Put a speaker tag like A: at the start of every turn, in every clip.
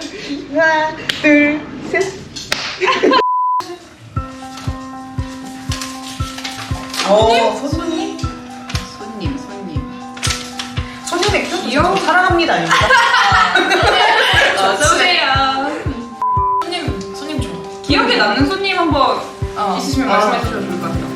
A: 하나, 둘, 셋. 손님? 손님의 귀여운 사랑합니다 아닙니까?
B: 어서오세요.
C: 손님 좋아.
B: 기억에 남는 손님 한번 있으시면 말씀해 주셔도 좋을 것 같아요.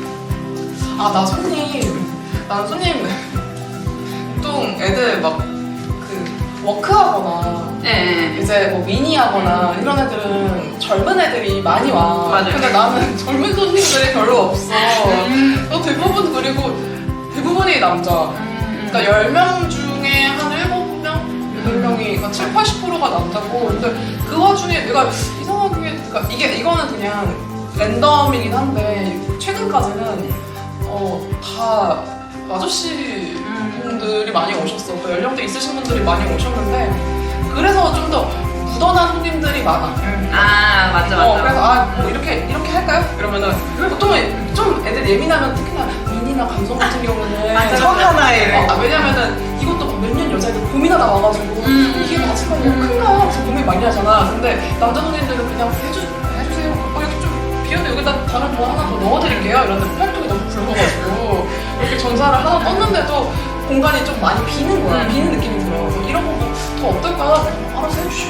C: 난 손님 보통 애들 막 그 워크하거나
B: 네.
C: 이제 뭐 미니하거나 이런 애들은 젊은 애들이 많이 와.
B: 맞아요.
C: 근데 나는 젊은 손님들이 별로 없어. 대부분 그리고 대부분이 남자. 그러니까 10명 중에 한 7명? 8명이 그러니까 7, 80%가 남자고. 근데 그 와중에 내가 이상하게 그러니까 이거는 그냥 랜덤이긴 한데 최근까지는 다 아저씨 분들이 많이 오셨어. 그 연령대 있으신 분들이 많이 오셨는데 그래서 좀 더 무던한 손님들이 많아.
B: 아 맞아.
C: 그래서 뭐 이렇게 할까요? 이러면은 보통은 좀 애들 예민하면 특히나 미니나 감성 같은 경우는
A: 천 하나에
C: 왜냐면은 이것도 몇 년 여자애들 고민하다 와가지고 이게 맞을까 너무 큰가 그래서 고민 많이 하잖아. 근데 남자 손님들은 그냥 해주세요. 이렇게 좀 비었는데 여기다 다른 뭐 하나 더 넣어드릴게요. 이런데 팔뚝이 너무 굵어가지고 이렇게 전사를 하나 떴는데도 공간이 좀 많이 비는 거야. 비는 느낌이 들어. 그래서 이런 거 더 어떨까? 알아서 해주시오.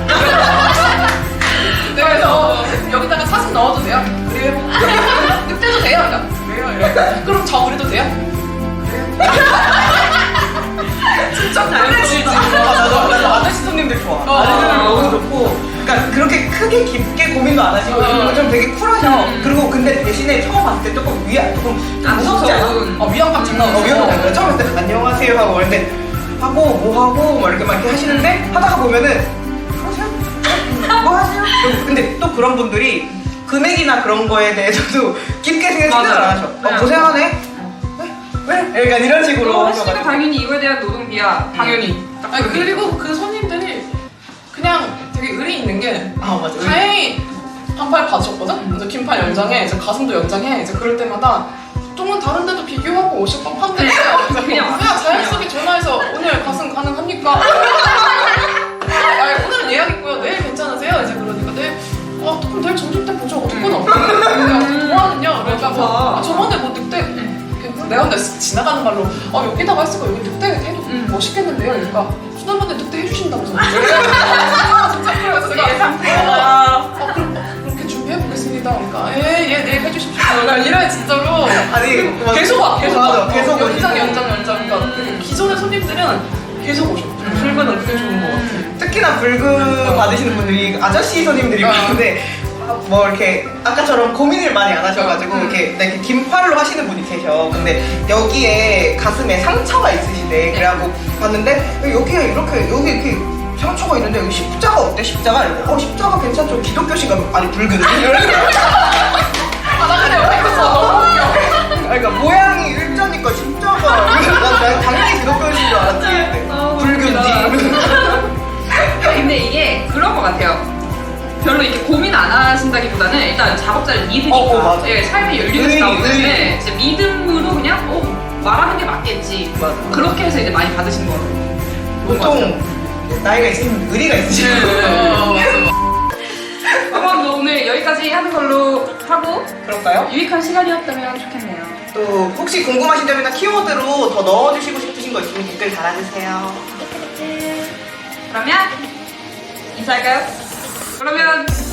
C: 그래서 여기다가 사진 넣어도 돼요? 그래요? 늑대도 돼요? 그래요? 이래. 그럼 저 우리도 돼요? 그래요? 진짜 잘해주지.
A: 나도 아저씨 손님들 좋아. 아저씨들 너무 좋고, 그러니까 그렇게 크게 깊게 고민도 안 하시고 좀 되게 쿨하셔. 그리고 근데 대신에 처음 봤을 때 조금 무섭지 않아?
C: 위안감 장난 없어.
A: 위안감 장난. 처음 봤을 때 안녕하세요 하고 근데 하고 뭐 하고 막 이렇게 하시는데 하다가 보면은 하세요? 뭐 하세요? 근데 또 그런 분들이 금액이나 그런 거에 대해서도 깊게 생각을 안 하셔. 고생하네. 왜? 약간 이런 식으로
B: 아저씨가 당연히 이거에 대한 노동비야. 당연히.
C: 아니 그리고 그 손님들이 그냥 되게 의리 있는 게
A: 맞아.
C: 다행히 반팔 받으셨거든? 이제 긴팔 연장해, 이제 가슴도 연장해. 이제 그럴 때마다 보통은 다른 데도 비교하고 오실 법한데 그냥 자연스럽게 전화해서 오늘 가슴 가능합니까? 오늘은 예약 있고요. 내일 괜찮으세요? 이제 그러니까 내일 그럼 내일 점심 때 보죠. 어떡하나? 뭐하느냐? 그러니까 저번에 뭐 늑대 내가 근데 지나가는 말로 여기다가 했을 거 여기 늑대 해도 멋있겠는데요? 그러니까 지난번에 늑대 해주신다면서 진짜 그래서 제가 그렇게 준비해보겠습니다. 그러니까 예 내일 해주십시오. 그러니까 이래 진짜로
A: 아니
C: 계속 와.
A: 계속
C: 연장 그러니까 기존의 손님들은 계속 오셔. 불금은 그게 좋은 것 같아.
A: 특히나 불금 받으시는 분들이 아저씨 손님들이 많은데 뭐 이렇게 아까처럼 고민을 많이 안 하셔가지고 이렇게 긴팔로 하시는 분이 계셔. 근데 여기에 가슴에 상처가 있으시대. 그래갖고 봤는데 여기에 이렇게 상처가 있는데 여기 십자가 어때? 십자가? 이러고 십자가 괜찮죠? 기독교신가? 아니 불금.
C: 나 근데 옆에 있었어. 너무 웃겨.
A: 그러니까 모양이 일자니까 십자가. 난 당연히 기독교신 줄 알았지. 불금지.
B: 근데 이게 그런 것 같아요. 별로 이렇게 고민 안 하신다기보다는 일단 작업자를 믿으니까
A: 맞아.
B: 삶의 연륜에서 나오는데 진짜 믿음으로 그냥 말하는 게 맞겠지.
A: 맞아.
B: 그렇게 해서 이제 많이 받으신 거 같아요.
A: 보통 나이가 있으신 의리가 있으시고.
B: 그럼 뭐 오늘 여기까지 하는 걸로 하고
A: 그럴까요?
B: 유익한 시간이었다면 좋겠네요.
A: 또 혹시 궁금하신 점이나 키워드로 더 넣어주시고 싶으신 거 있으면 댓글 달아주세요.
B: 그러면 인사할까요? 그러면